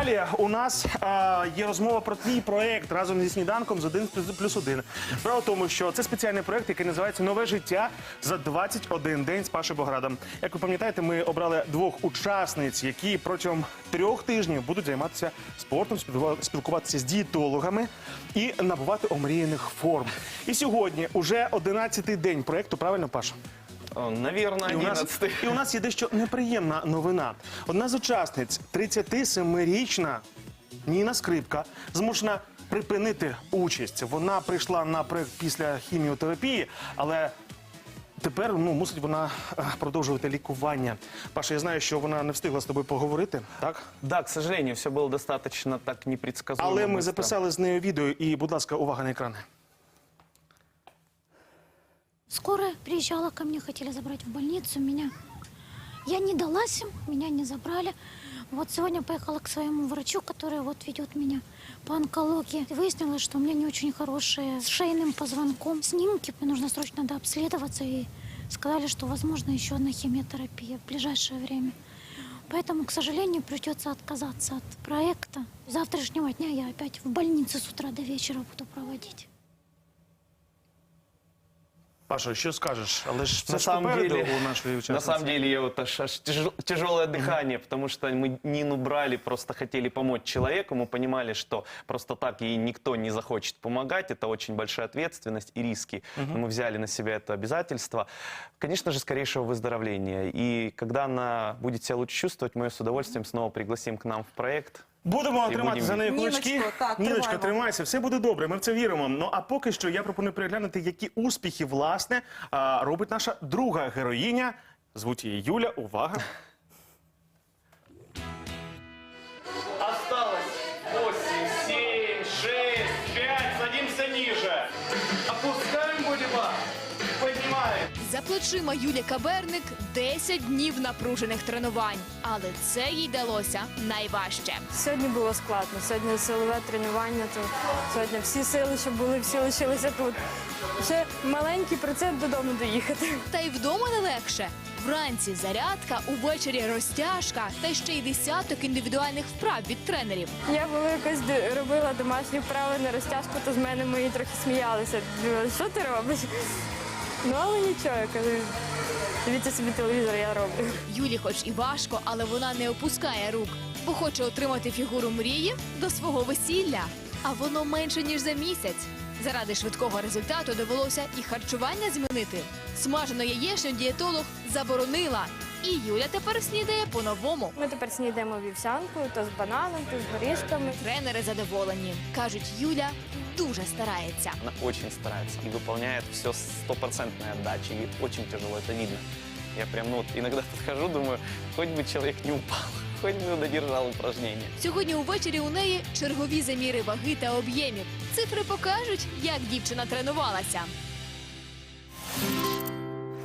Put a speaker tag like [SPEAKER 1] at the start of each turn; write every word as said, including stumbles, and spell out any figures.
[SPEAKER 1] Далі у нас е, є розмова про твій проєкт разом зі сніданком з один плюс один. Справа в тому, що це спеціальний проєкт, який називається «Нове життя за двадцять один день з Пашою Боградом». Як ви пам'ятаєте, ми обрали двох учасниць, які протягом трьох тижнів будуть займатися спортом, спілкуватися з дієтологами і набувати омріяних форм. І сьогодні уже одинадцятий день проєкту, правильно, Паша?
[SPEAKER 2] Наверное,
[SPEAKER 1] І у, нас,
[SPEAKER 2] одинадцятый.
[SPEAKER 1] і у нас є дещо неприємна новина. Одна з учасниць, тридцятисемирічна Ніна Скрипка, змушена припинити участь. Вона прийшла на проєкт після хіміотерапії, але тепер ну, мусить вона е, продовжувати лікування. Паша, я знаю, що вона не встигла з тобою поговорити, так?
[SPEAKER 2] Да, к сожалению, все было достаточно так непредсказуемо.
[SPEAKER 1] Але ми
[SPEAKER 2] быстро.
[SPEAKER 1] записали з нею відео і, будь ласка, увага на екрани.
[SPEAKER 3] Скорая приезжала ко мне, хотели забрать в больницу меня. Я не далась им, меня не забрали. Вот сегодня поехала к своему врачу, который вот ведет меня по онкологии. Выяснилось, что у меня не очень хорошие с шейным позвонком снимки. Мне нужно срочно надо обследоваться. И сказали, что возможно еще одна химиотерапия в ближайшее время. Поэтому, к сожалению, придется отказаться от проекта. С завтрашнего дня я опять в больнице с утра до вечера буду проводить.
[SPEAKER 1] Паша, що скажеш? Але ж все
[SPEAKER 2] На
[SPEAKER 1] ж
[SPEAKER 2] самом
[SPEAKER 1] попереду
[SPEAKER 2] деле,
[SPEAKER 1] у нашої
[SPEAKER 2] на
[SPEAKER 1] учасниці.
[SPEAKER 2] самом деле, я вот аж, аж тяжел- тяжелое дыхание, потому что мы Нину брали, просто хотели помочь человеку, мы понимали, что просто так ей никто не захочет помогать, это очень большая ответственность и риски. Но мы взяли на себя это обязательство. Конечно же, скорейшего выздоровления. И когда она будет себя лучше чувствовать, мы ее с удовольствием снова пригласим к нам в проект.
[SPEAKER 1] Будемо
[SPEAKER 2] І
[SPEAKER 1] тримати
[SPEAKER 2] будемо
[SPEAKER 1] за нею
[SPEAKER 4] Ніночко,
[SPEAKER 1] кулачки.
[SPEAKER 4] так,
[SPEAKER 1] Ніночка,
[SPEAKER 4] тримаємо.
[SPEAKER 1] тримайся, все буде добре, ми в це віримо. Ну а поки що я пропоную переглянути, які успіхи, власне, а, робить наша друга героїня. Звуть її Юля. Увага.
[SPEAKER 2] Осталось восемь, семь, шесть, пять, садимся ниже. Опускаем будем, поднимаем.
[SPEAKER 5] За плечима Юлі Каберник десять днів напружених тренувань. Але це їй далося найважче.
[SPEAKER 4] Сьогодні було складно. Сьогодні силове тренування. То сьогодні всі сили, що були, всі лишилися тут. Ще маленький процент додому доїхати.
[SPEAKER 5] Та й вдома не легше. Вранці зарядка, увечері розтяжка та ще й десяток індивідуальних вправ від тренерів.
[SPEAKER 4] Я була якось д- робила домашні вправи на розтяжку, то з мене мої трохи сміялися. Думали, що ти робиш? Ну, але нічого, я кажу, дивіться собі телевізор, я роблю.
[SPEAKER 5] Юлі хоч і важко, але вона не опускає рук, бо хоче отримати фігуру мрії до свого весілля. А воно менше, ніж за місяць. Заради швидкого результату довелося і харчування змінити. Смажену яєчню дієтолог заборонила. І Юля тепер снідає по-новому.
[SPEAKER 4] Ми тепер снідаємо вівсянку, то з бананом, то з горішками.
[SPEAKER 5] Тренери задоволені. Кажуть, Юля дуже старається.
[SPEAKER 2] Она очень старается и выполняет все с стопроцентной отдачей. И очень тяжело, это видно. Я прям, ну вот, иногда подхожу, думаю, хоть бы человек не упал, хоть бы додержал упражнение.
[SPEAKER 5] Сьогодні увечері у неї чергові заміри ваги та об'ємів. Цифри покажуть, як дівчина тренувалася.